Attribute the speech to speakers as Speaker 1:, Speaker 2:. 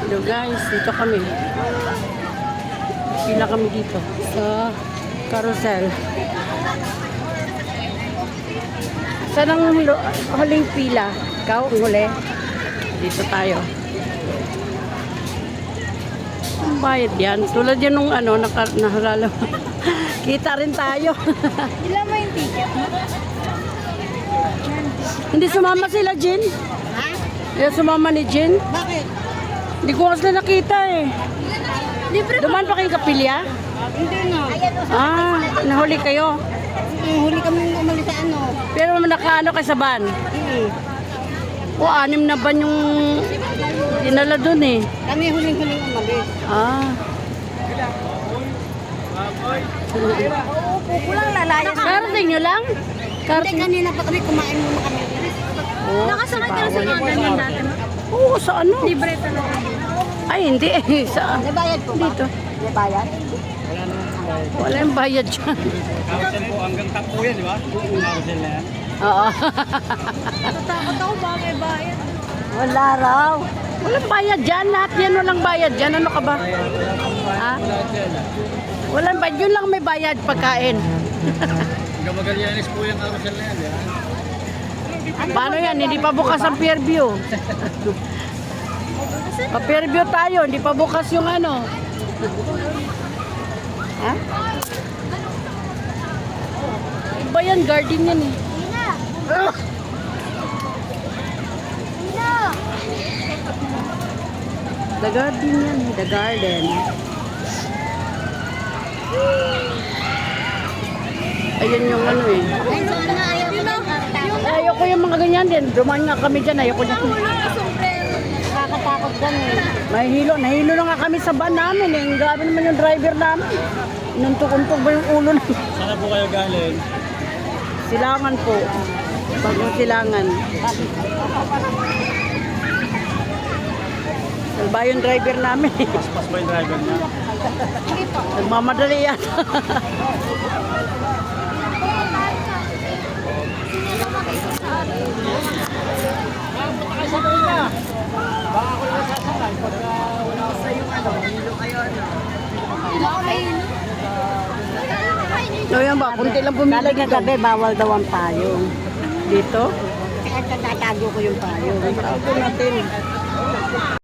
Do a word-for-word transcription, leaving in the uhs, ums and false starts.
Speaker 1: Hello guys, dito kami. Pila kami dito sa carousel. Saan ang hulo- huling pila? Ikaw ang huli? Dito tayo. Ang bayad yan. Tulad yan nung ano, naka, nahalala. Kita rin tayo.
Speaker 2: Ilan mo yung ticket mo?
Speaker 1: Hindi sumama sila, Jin.
Speaker 2: Ha?
Speaker 1: Hindi sumama ni Jin.
Speaker 2: Bakit?
Speaker 1: Hindi ko kasi nakita eh.
Speaker 2: Libre
Speaker 1: Duman pa kayo kapilya?
Speaker 2: Hindi na.
Speaker 1: Ah, nahuli kayo.
Speaker 2: Mm, huli kami umalis sa ano.
Speaker 1: Pero nakaano kayo sa van?
Speaker 2: Mm.
Speaker 1: O, anim na van yung dinala dun eh.
Speaker 2: Kami huling-huling umalis.
Speaker 1: Ah.
Speaker 2: Uupo ko lang lalayas.
Speaker 1: Karating nyo lang?
Speaker 2: Hindi,
Speaker 1: Karating.
Speaker 2: kanina pa kami kumain muna kami.
Speaker 1: Oh,
Speaker 2: Nakasakay ka na sa mga ganyan dati.
Speaker 1: Oo, sa ano?
Speaker 2: Libre talaga.
Speaker 1: Ay, hindi eh. Sa,
Speaker 2: May bayad po ba?
Speaker 1: dito.
Speaker 2: May bayad?
Speaker 1: Wala yung bayad dyan.
Speaker 3: Carousel po, hanggang top po yan, di ba? Carousel na yan.
Speaker 1: Oo.
Speaker 2: Natakot ako ba may bayad?
Speaker 1: Wala raw. Walang bayad dyan. Lahat yan walang bayad dyan. Ano ka ba? Ha? Walang bayad. Yun lang may bayad pagkain.
Speaker 3: Hanggang Magallanes po yung carousel na yan, di ba?
Speaker 1: Paano yan? Hindi pa bukas ang pier view. Pa pier view tayo. Hindi pa bukas yung ano. Ha? Iba yan. Garden yan eh. Ugh! The garden yan eh. The garden. Ayun yung ano eh.
Speaker 2: Ay, so ano, ayaw ko na.
Speaker 1: Ayoko yung mga ganyan din. Dumaan nga kami dyan. Ayoko dyan.
Speaker 2: Nakakatakot gan eh.
Speaker 1: Nahihilo. Nahihilo na nga kami sa van namin eh. Ang gabi naman yung driver namin. Inuntok-untok ba yung ulo namin?
Speaker 3: Sana po kayo galing.
Speaker 1: Silangan po. Bagong silangan. Salba yung driver namin eh.
Speaker 3: Pas ba yung driver niya?
Speaker 1: Nagmamadali yan.
Speaker 3: Baka ako lang sasakay pagka wala ko sa yung ano, hilo kayo ano.
Speaker 1: So yan ba? Kunti lang pumila
Speaker 2: Sabi nga
Speaker 1: dito.
Speaker 2: gabi, bawal daw ang payong.
Speaker 1: Dito?
Speaker 2: Kaya tatago ko yung payong.
Speaker 1: Tago natin.